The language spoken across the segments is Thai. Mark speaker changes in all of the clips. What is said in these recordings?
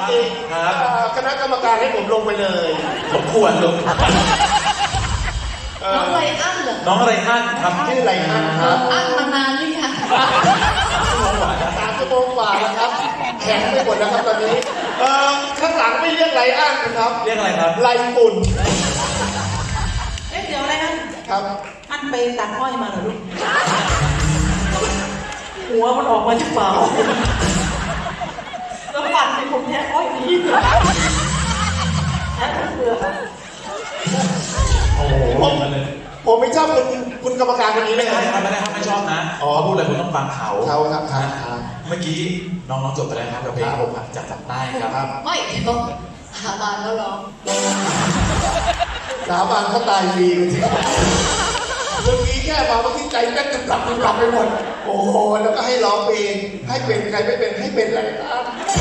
Speaker 1: ริงๆคณะกรรมการให้ผมลงไปเลย
Speaker 2: สมควรลง
Speaker 3: น้องไรอันเหรอ
Speaker 2: น้องไรอันครับ
Speaker 1: ชื่อไรอันครับ
Speaker 3: อันมานานหรือยัง
Speaker 1: 3 ชั่วโมงกว่าแล้วครับแข็งไปหมดแล้วครับตอนนี้ข้างหลังไม่เรียกไรอันนะครับ
Speaker 2: เรียกอะไรครับ
Speaker 1: ไรปุ่น
Speaker 4: เดี๋ยวอะไรนะครับอันไปตัดอ้อยมาเหรอลูกหัวมันออกมาจากเปล่าแล้วปั่นให้ผมแท้อ้อยดีแท้เบื่อ
Speaker 2: โอ้โห
Speaker 1: ผมไม่ชอบคุณกรรมการคนนี้เลย
Speaker 2: ไม่ได้ครับไม่ชอบนะเขาพูดอะไรคุณต้องฟังเขา
Speaker 1: ครับ
Speaker 2: เมื่อกี้น้องจบไปแล้วครับกับเพลงผมจากใต้ครับ
Speaker 3: ไม่เดี๋ยวสาบานแล้วร้อง
Speaker 1: สาบานเขาตายฟรีจริงเมื่อกี้แค่มาเมื่อกี้ใจแม่กลับไปหมดโอ้โหแล้วก็ให้ร้องเพลงให้เป็นใครไม่เป็นให้เป็นอะไรครับ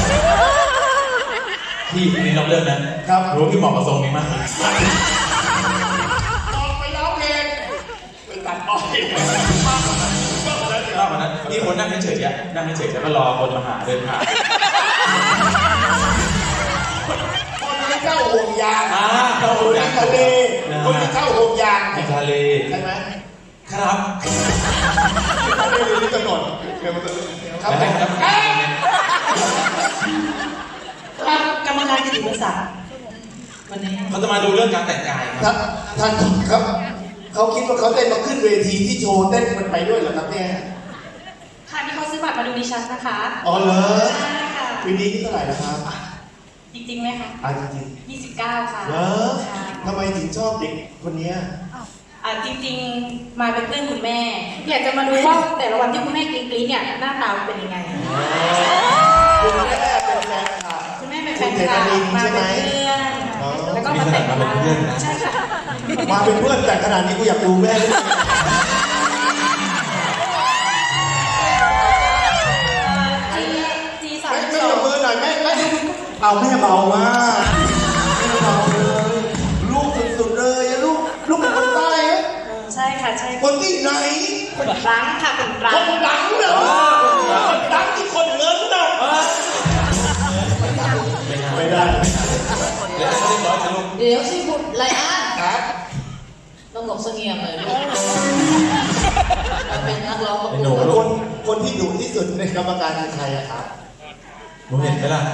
Speaker 2: พี่นี่น้องเลือกนะครับรู้พี่เหมาะกับทรงนี้มาก
Speaker 1: ออกไปร้องเพลงไปตัดอ้อย
Speaker 2: มากกว่านั้นพี่คนนั่งเฉยๆนั่งเฉยๆแล้วก็รอคนมาหาเดินผ่าน
Speaker 1: คนที่เข้าห่วงยาง
Speaker 2: เข้าห่วงยาง
Speaker 1: ทะเลคนที่เข้าห่วงยาง
Speaker 2: ทะเล
Speaker 1: ใช่ไหม
Speaker 2: ครับ
Speaker 1: ไม่รู้กำหนดครับ
Speaker 4: กรรมการกิตติมศักดิ์วันนี้
Speaker 2: เขาจะมาดูเรื่องการแต่งกาย
Speaker 1: ครับท่านครับเขาคิดว่าเขาเต้นมาขึ้นเวทีที่โชว์เต้นมันไปด้วยเหรอครับเนี่ย
Speaker 5: ค่ะที่เขาซื้อบัตรมาดูดิฉันนะคะ
Speaker 1: อ๋อเหรอ
Speaker 5: ใช่ค่ะ
Speaker 1: ปีนี้ที่เท่าไหร่นะครับ
Speaker 5: จริงๆไหมคะ
Speaker 1: จริง
Speaker 5: 29 ค่ะ
Speaker 1: เหรอทำไมถึงชอบเด็กคนนี้
Speaker 5: จริงๆมาเป็นเพื่อนคุณแม่อยากจะมาดูว่าแต่ละวันที่คุณแม่กรี๊ดเนี่ยหน้าตาเป็นยังไง
Speaker 1: คุณแม่เป็นแฟนค่ะ
Speaker 5: คุณแม่เป็นแฟนค่ะมาเป็นเพื่อนแล้วก็มาแต่งงานใช่ค่ะ
Speaker 1: มาเป็นเพื่อนแต่ขนาดนี้กูอยากดูแม่เลยไม่ยกมือหน่อยแม่เอาแม่เบามากแม่เบาเลยลูกสุดๆเลยลูกเป็นคนใต้เหรอ
Speaker 5: ใช่ค่ะใช่
Speaker 1: คนที่ไหน
Speaker 5: คนรังค่ะคนรัง
Speaker 1: คนรังเหรอคนรังที่คนเงินนะไม่ได้
Speaker 3: เดี๋ยวสิบุตรไรอันต้องหลบเสงี่ยมเลยลูกเป็นนักร้องประกวด
Speaker 1: คนที่ดุที่สุดในกรรมการคือใครอะครับ
Speaker 2: หนูเห็นไหมล่ะ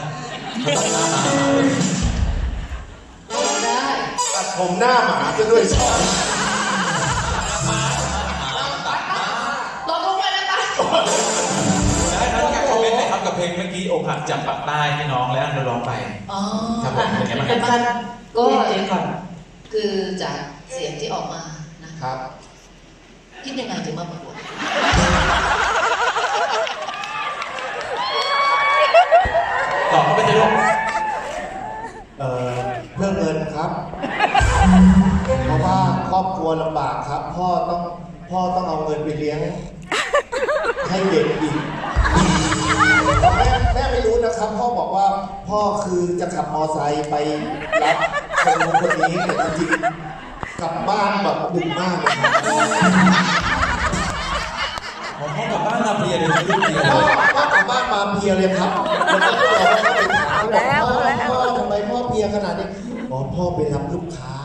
Speaker 3: ได้
Speaker 1: ตัดผมหน้าหมาจะด้วยชอบ
Speaker 3: ตกลงไปแล้วปะ
Speaker 2: ได้ครับการคอมเมนต์นะครับกับเพลงเมื่อกี้อกหักจากปากใต้ให้น้องและอันร้องไปครับผมเป็นไงบ้างครับ
Speaker 3: ก็ก่อนคือจากเสียงที่ออกมานะครับคิดยังไงถึงมาประกวด
Speaker 2: ตอบเขาไปเลยลูก
Speaker 1: เพื่อเงินครับเพราะว่าครอบครัวลำบากครับพ่อต้องเอาเงินไปเลี้ยงให้เด็กอีกแม่ไม่รู้นะครับพ่อบอกว่าพ่อคือจะขับมอไซค์ไปรับคนนี้แต่จริงๆกลับบ้านแบบดึกมากเลย
Speaker 2: พ่อกลับบ้านมาเพลียเลย
Speaker 1: พ่อกลับบ้านมาเพลียเลยครับแล้วพ่อทำไมพ่อเพลียขนาดนี้พ่อไปรับลูกค้า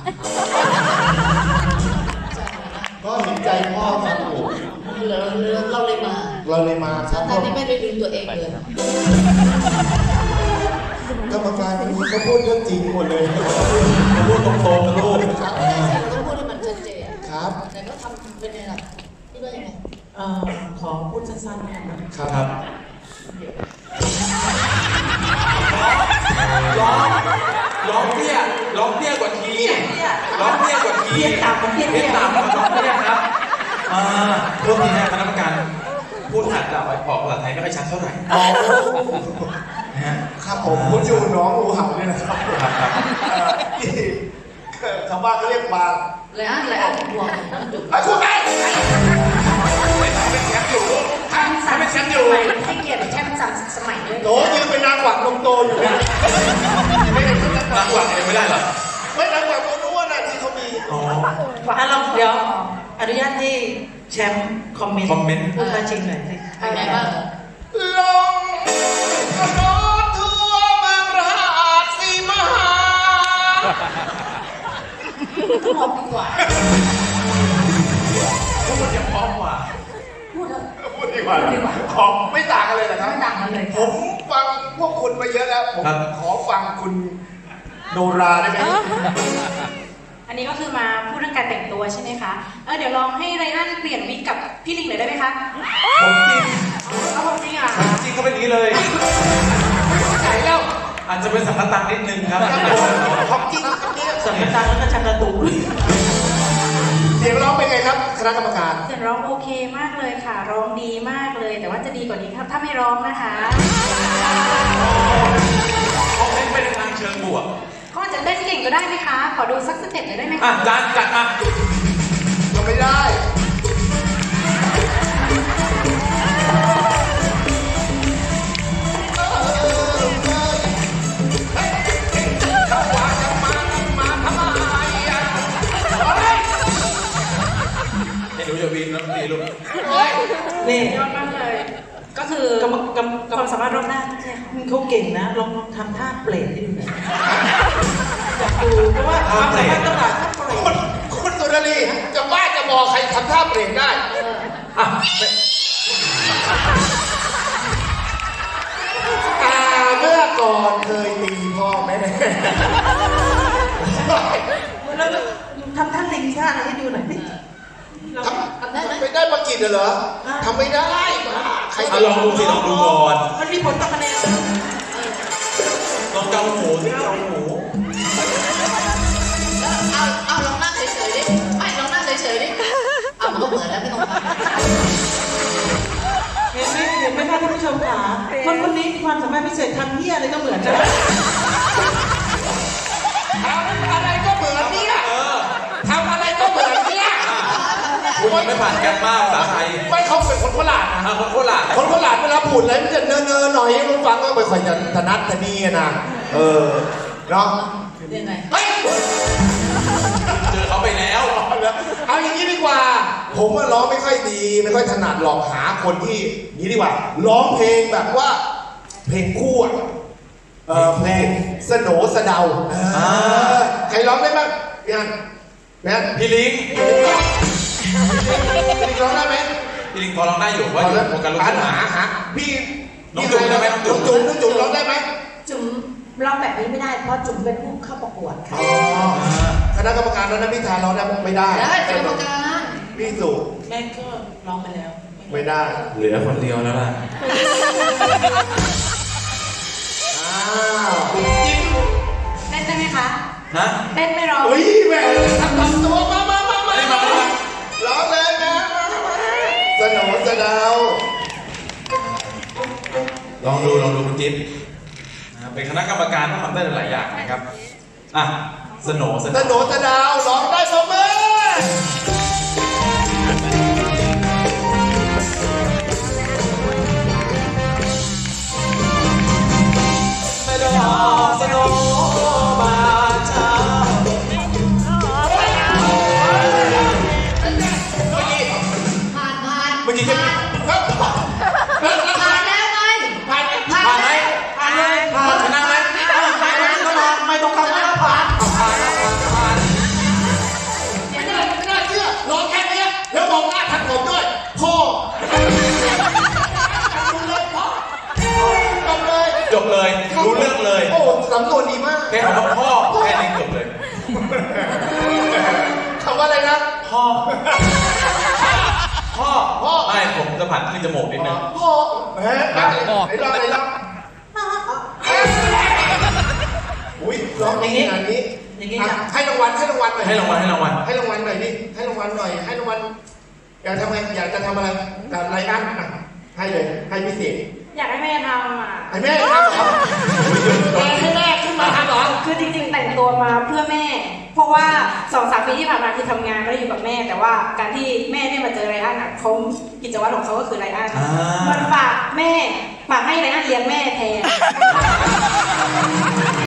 Speaker 1: ก็เห็นใจพ่อครับผม
Speaker 3: เราเลยมา
Speaker 1: ครับ
Speaker 3: ตอนนี้ไม่ได้ดูตัวเองเลย
Speaker 1: กรรมการคนนี้เขาพูดเรื่องจริงหมดเลย
Speaker 2: พูดตรงๆนะลูก
Speaker 3: ครับต้องพูดให้มันชัดเจน
Speaker 1: ครับ
Speaker 3: แต่ก็ทำเป็นไงล่ะคิดว่ายังไง
Speaker 4: ขอพูดสั้นๆนะครับ
Speaker 2: ร้องเตี้ยกว่าทีร้องเตี้ยกว่าที
Speaker 4: เตี้ยต่ำร้องเตี้
Speaker 2: ยครับเรื่องนี้นะคณะกรรมการพูดอาจจะออกภาษาไทยไม่ค่อยชัดเท่าไหร่
Speaker 1: ครับผมพูดอยู่น้องงูเห่าเนี่ยนะครับชาวบ้านเขาเรียกบาง
Speaker 3: ไรอันห่วง
Speaker 1: คุณแม่
Speaker 5: เป็นแชมป์อยู่ให้เกียรติแชมป์3 สมัยด้วย
Speaker 1: โหยืนเป็นนางหวังนมโตอยู่เนี่ย
Speaker 2: นางหวังไม่ได้หรอ
Speaker 1: ไม่นางหวังเขารู้ว่านาที่เขามี
Speaker 4: เราเดี๋ยวอนุญาตที่แชมป์คอมเมนต์พูดมาจริงหน่อยสิ
Speaker 3: เป็นไงบ้าง
Speaker 1: ลงกระโดดทั่วเมืองรากว่าของไม่ต่างกันเลยนะครับ
Speaker 3: ไม่ต่างกันเลย
Speaker 1: ผมฟังพวกคุณมาเยอะแล้ว ผมขอฟังคุณโนราได้ไหม
Speaker 5: อันนี้ก็คือมาพูดเรื่องการแต่งตัวใช่ไหมคะเดี๋ยวลองให้ไรอันเปลี่ยนวิกกับพี่ลิงหน่อยได้ไหมคะ
Speaker 2: ผมจริง
Speaker 5: เอาผมจริงเหรอ่ะ
Speaker 2: ผมจริงเขาเป็นอย่างนี้เลย
Speaker 1: ไหนแล้ว
Speaker 2: อาจจะเป็นสังฆตังนิดนึงครับ
Speaker 1: ของจริงครับเนี่ย
Speaker 4: สำนักตังแล้วก็ชักกระตุก
Speaker 1: เสียงร้องเป็นไงครับคณะกรรมการ
Speaker 5: เสียงร้องโอเคมากเลยค่ะ ร้องดีมากเลย แต่ว่าจะดีกว่านี้ครับถ้าไม่ร้องนะคะ
Speaker 2: คอมเมนต์ไปในทางเชิงบวก
Speaker 5: เขาอาจจะเต้นเก่งก็ได้ไหมคะ ขอดูสักสเต็ปหน่อยได้ไหม
Speaker 2: อ่ะ
Speaker 5: คะ
Speaker 2: จานจัดมา
Speaker 1: ก็ไม่ได้
Speaker 2: ให้หนูจะวีนแล้วดีลูก
Speaker 4: นี่
Speaker 5: ยอดมากเลย ก็คือก
Speaker 4: รรมกรรม
Speaker 5: ความสามารถรอบด้านใช่ค่ะ
Speaker 4: เขาเก่งนะลองทำท่าเปรตให้ดูหน่อยอยากดูเพราะว่าความสามารถต้องหลายท่าเปรต
Speaker 1: คุณสุนารีจะบ้าจะบอกใครทำท่าเปลี่ยนได้
Speaker 2: อ่ะ
Speaker 1: เมื่อก่อนเคยตีพ่อแม่
Speaker 4: แล้วทำท่าลิงท่าอะไรให้ดูหน่อยสิ
Speaker 1: ทำไม่ได้ประกิตเหรอทำไม่ได้ใคร
Speaker 2: เอาลองดูสิลองดูก่อน
Speaker 4: มันมีผลต่อคะแนน
Speaker 2: ลองเกาหูสิเกาหู
Speaker 3: เอาลองนั่งเฉยๆดิไม่ลองนั่งเฉยๆดิเอามันก็เหมือนแล้วไม่ต้องทำ
Speaker 4: เห็นไหมคะท่านผู้ชมขาคนคนนี้มีความสามารถพิเศษทำเหี้ยอะไรก็เหมือนกัน
Speaker 1: ทำอะไรก็เหมือนเนี่ยทำอะไรก็เหมือนเนี่ย
Speaker 2: คุณยังไม่ผ่านแกมมากภาษาไทย
Speaker 1: ไม่เขาเป็นคนโคราชนะ
Speaker 2: อ่ะคนโคราช
Speaker 1: คนโคราชเวลาพูดอะไรมันจะเนอๆหน่อยมันฟังก็ไม่ค่อยจะถนัดทะนีนะเนาะ
Speaker 3: ยังไง
Speaker 1: เฮ้ย
Speaker 2: เจอเขาไปแล้ว
Speaker 1: เอาอย่างนี้ดีกว่า ผมว่าร้องไม่ค่อยดีไม่ค่อยถนัดหรอกหาคนที่นี้ดีกว่าร้องเพลงแบบว่า เพลงคู่อะเพลงสโหนสะเดาใครร้องได้บ้างพี่อันพี่อัน
Speaker 2: พี่ลิง
Speaker 1: พี่ร้องได้ไหม
Speaker 2: พี่ลิงพอร้องได้อยู่ว่าอยู่วงการลูกทุ่ง
Speaker 1: หาพี่
Speaker 2: น้องจุ๋มได้ไหมน้องจุ๋ม
Speaker 1: น้องจุ๋มร้องได้ไหม
Speaker 6: จุ๋มร้องแบบนี้ไม่ได้เพราะจุ๋มเป็นผู้เข้าประกวดค่ะ
Speaker 1: คณะกรรมการแล้วนะพี่ทานร้องได้ไม่ได้
Speaker 3: ได้เป็นกรรมการ
Speaker 1: พี่สุ
Speaker 4: แม่ก็ร้องไปแล้ว
Speaker 1: ไม่ได้
Speaker 2: เหลือคนเดียวแล้วล่ะ
Speaker 1: จิ๊บ
Speaker 5: เต้นได้ไหมคะ
Speaker 2: ฮะ
Speaker 5: เต้นไม่ร้อง
Speaker 1: เฮ้ยแม่ทำตัวมา
Speaker 2: ไม่มาเลย
Speaker 1: ร้องเลยนะสโหนสะเดา
Speaker 2: ลองดูคุณจิ๊บนะครับเป็นคณะกรรมการต้องทำได้หลายอย่างนะครับ อ่ะสโหนส
Speaker 1: ส
Speaker 2: โหน
Speaker 1: โหนสะเดาร้องได้ปรบมือ
Speaker 2: ไม่ดอกสโหนบานเช้า
Speaker 3: ผ่านผ่าน
Speaker 2: เมื่อกี้แค่
Speaker 1: ครับ
Speaker 3: ผ่านแล้วไง
Speaker 1: ผ่าน
Speaker 2: ผ่านไหมผ่านเลยผ่านชนะไหมผ่านก็ผ่านไม่ต้องคำว่าผ่านผ่านผ่าน
Speaker 1: ไม่น่าเชื่อร้องแค่นี้แล้วมองหน้าทันผมด้วยพ่อดูเลยพ่อจบเลย
Speaker 2: จบเลยรู้เรื่องเลย
Speaker 1: โอ้สำนวนดีมาก
Speaker 2: แค่คำว่าพ่อแค่นี้จบเลย
Speaker 1: คำว่าอะไรนะ
Speaker 2: พ่อไม่ผมจะผัดขึ้นจมูกนิดนึง
Speaker 1: พ่อแหมไหนร้องอุ้ยร้องอย่างนี้อันนี้
Speaker 4: อย่างนี้
Speaker 1: อ่ะ
Speaker 4: ค่ะ
Speaker 1: ให้รางวัลหน่อย
Speaker 2: ให้รางวัล
Speaker 1: ให้รางวัลหน่อยดิให้รางวัลหน่อยให้รางวัลอยากทำไงอยากจะทำอะไรกับรายการอ่ะให้เลยให้พิเศษ
Speaker 5: อยากให้แม่ทำอ่ะ
Speaker 1: ให้แม่ทำเหรอให้แม่ขึ้นมาทำเหรอ
Speaker 5: คือจริงๆแต่งตัวมาเพื่อแม่ เพราะว่า2-3 ปีที่ผ่านมาคือทำงานไม่ได้อยู่กับแม่ แต่ว่าการที่แม่ได้มาเจอไรอันอ่ะเขากิจวัตรของเขาก็คือไรอันมันฝากให้ไรอันเลี้ยงแม่แทน